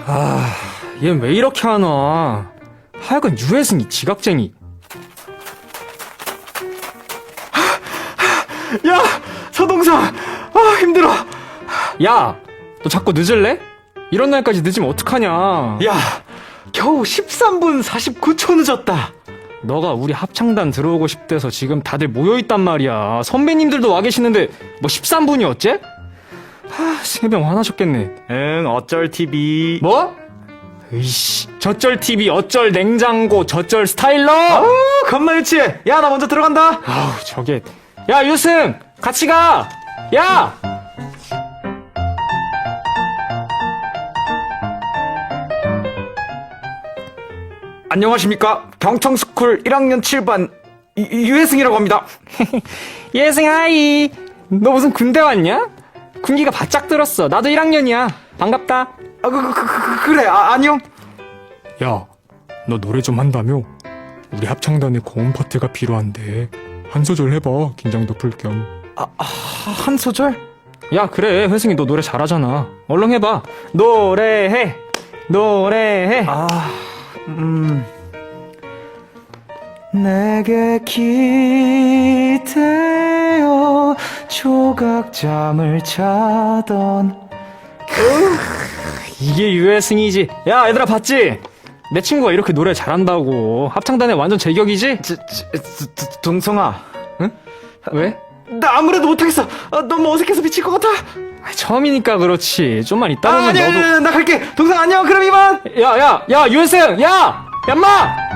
얜 왜 이렇게 하나. 하여간 유해승이 지각쟁이. 야, 서동사. 힘들어. 야, 너 자꾸 늦을래? 이런 날까지 늦으면 어떡하냐. 야, 겨우 13분 49초 늦었다. 너가 우리 합창단 들어오고 싶대서 지금 다들 모여있단 말이야. 선배님들도 와 계시는데 뭐 13분이 어째? 세명 화나셨겠네. 응, 어쩔 TV. 뭐? 으이씨, 저쩔 TV, 어쩔 냉장고, 저쩔 스타일러? 겁나 유치해. 야, 나 먼저 들어간다. 아우, 저게. 야, 유승! 같이 가! 야! 안녕하십니까. 경청스쿨 1학년 7반 유혜승이라고 합니다. 예승 하이! 너 무슨 군대 왔냐? 군기가 바짝 들었어. 나도 1학년이야. 반갑다. 그래. 안녕. 야, 너 노래 좀 한다며? 우리 합창단에 고음 파트가 필요한데 한 소절 해봐. 긴장도 풀 겸. 한 소절? 야, 그래. 회승이 너 노래 잘하잖아. 얼른 해봐. 노래해. 노래해. 내게 기대어 조각잠을 자던. 이게 유해승이지. 야, 얘들아 봤지? 내 친구가 이렇게 노래 잘한다고. 합창단에 완전 제격이지? 동성아. 응? 왜? 나 아무래도 못하겠어. 너무 어색해서 미칠 것 같아. 처음이니까 그렇지. 좀만 이따 보면 아니야, 너도. 나 갈게. 동성 안녕. 그럼 이만. 야, 유해승! 야! 얌마!